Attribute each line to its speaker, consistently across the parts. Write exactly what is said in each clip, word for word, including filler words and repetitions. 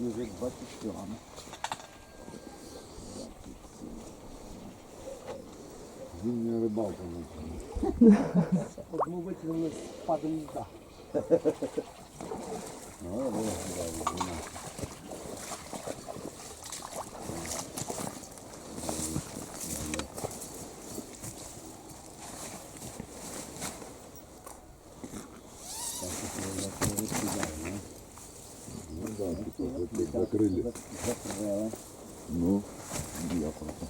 Speaker 1: вже двадцять кілограмів.
Speaker 2: Зимня рибалка.
Speaker 1: Одну витягнули з падом льда.
Speaker 2: Ну, ось, да, закрили.
Speaker 1: Закрили.
Speaker 2: Ну, я просто.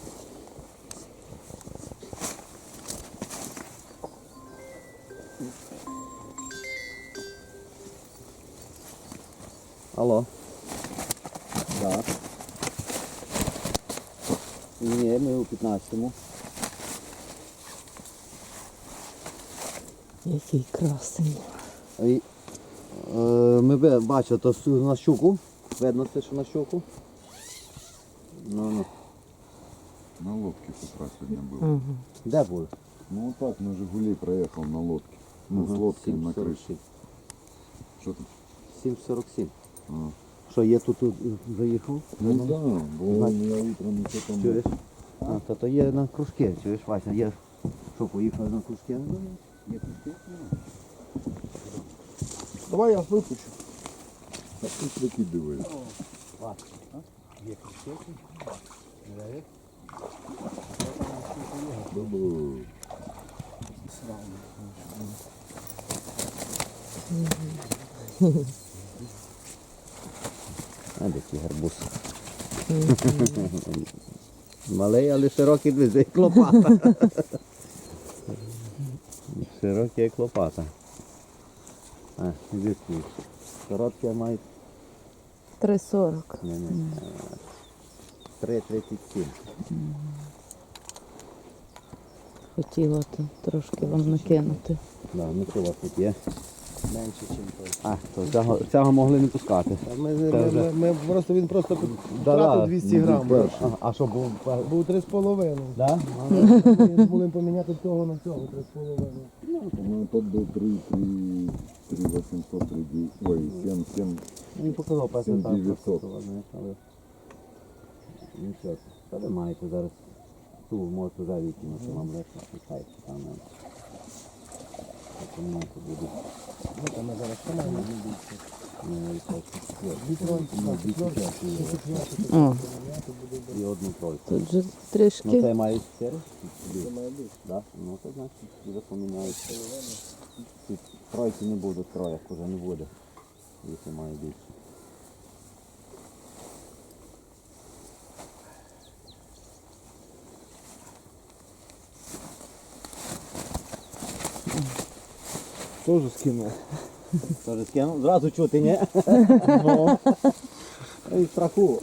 Speaker 1: Алло. Так. Ні, ми у п'ятнадцятому.
Speaker 3: Який красень.
Speaker 1: І, е, ми ви- бачили, то су- на щуку. Видно це, що на щуку. Ну, ну.
Speaker 2: На лодке с утра сегодня был.
Speaker 3: Ага.
Speaker 1: Де були?
Speaker 2: Ну вот так на Жигули проехал на лодке. Ну,
Speaker 1: Ага,
Speaker 2: с лодкой
Speaker 1: сім
Speaker 2: на
Speaker 1: сорок
Speaker 2: крыше.
Speaker 1: сім.
Speaker 2: Что там?
Speaker 1: сім сорок сім.
Speaker 2: А.
Speaker 1: Що, є тут, тут заїхав?
Speaker 2: Ну да, бо я утром еще там...
Speaker 1: Чуєш? А, то, то є на кружки, чуєш, Вася, є. Що, поїхали на кружки? Є кружки?
Speaker 4: Давай я випущу.
Speaker 2: А ты прикидываешь.
Speaker 1: Вася, є кружки?
Speaker 2: Бабу.
Speaker 1: А де ті гарбуз? Малий, але широкий двіз, як лопата. Широкий, як лопата. А, звідки? Короткі мають?
Speaker 3: три сорок.
Speaker 1: Ні, ні. три тридцять сім.
Speaker 3: Хотіла то трошки вам накинути.
Speaker 1: Да, ну що у вас тут є?
Speaker 4: Менше, ніж той.
Speaker 1: А, то цього, цього могли не пускати.
Speaker 4: Ми,
Speaker 1: Це
Speaker 4: ми,
Speaker 1: вже-
Speaker 4: ми, ми просто, він просто
Speaker 1: Да, да.
Speaker 4: втратив двісті грам.
Speaker 1: А, а що був?
Speaker 4: Був три з половиною.
Speaker 1: Да?
Speaker 4: Ми змогли поміняти того на цього, три з половиною.
Speaker 2: Ну тот был три, три, три восемьсот, три, девять- ой, семь, семь.
Speaker 1: Він показав перший
Speaker 2: Сім
Speaker 1: там.
Speaker 2: дев'ятсот.
Speaker 1: просто, ладно, але... Нічого. Та ви маєте зараз ту можете вже викинути, вам легко пускайте там. не. Так, ну, то буде.
Speaker 4: Ну, там ми зараз тримаємо.
Speaker 1: Не відсотки.
Speaker 4: Дві тронки,
Speaker 1: Ну,
Speaker 4: так,
Speaker 1: дві
Speaker 4: четверки.
Speaker 1: четверки.
Speaker 3: О,
Speaker 1: І одну тройку.
Speaker 3: тут же
Speaker 1: Ну
Speaker 3: трішки.
Speaker 1: це має чотири?
Speaker 4: Це має бути.
Speaker 1: Да? Ну то значить вже поміняється. Тут тройки не буде, троєк вже не буде. Якщо має більше.
Speaker 4: Тоже скинув.
Speaker 1: Тоже скинув? Зразу чути, ні?
Speaker 4: Ну.
Speaker 1: І страху.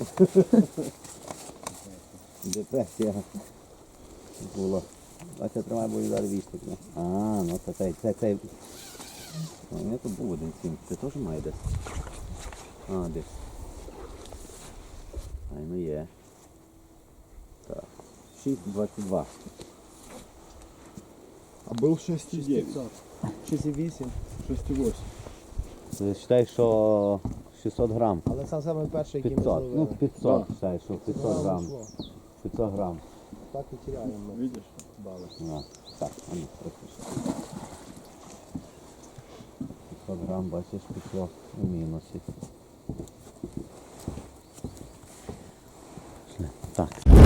Speaker 1: Депресія була. А це тримає, бо і зараз вістик. А, ну це цей, це цей. У мене тут був один сім. Це теж має десь? А, десь. Ай, ну є. Так. шість двадцять два.
Speaker 2: А был шесть и девять.
Speaker 4: шість і вісім.
Speaker 2: шесть и восемь.
Speaker 1: Ти вважаєш, що шістсот грам?
Speaker 4: Але сам самий перший, який ми
Speaker 1: п'ятсот. Ну,
Speaker 4: зловили.
Speaker 1: п'ятсот, вважаєш, що п'ятсот грам.
Speaker 4: йшло.
Speaker 1: п'ятсот грам.
Speaker 4: Так і теряємо ми.
Speaker 2: Видишь?
Speaker 4: Бали.
Speaker 1: Да. Так, а ну, трохи. п'ятсот грам, бачиш, пішло у мінусі. Так.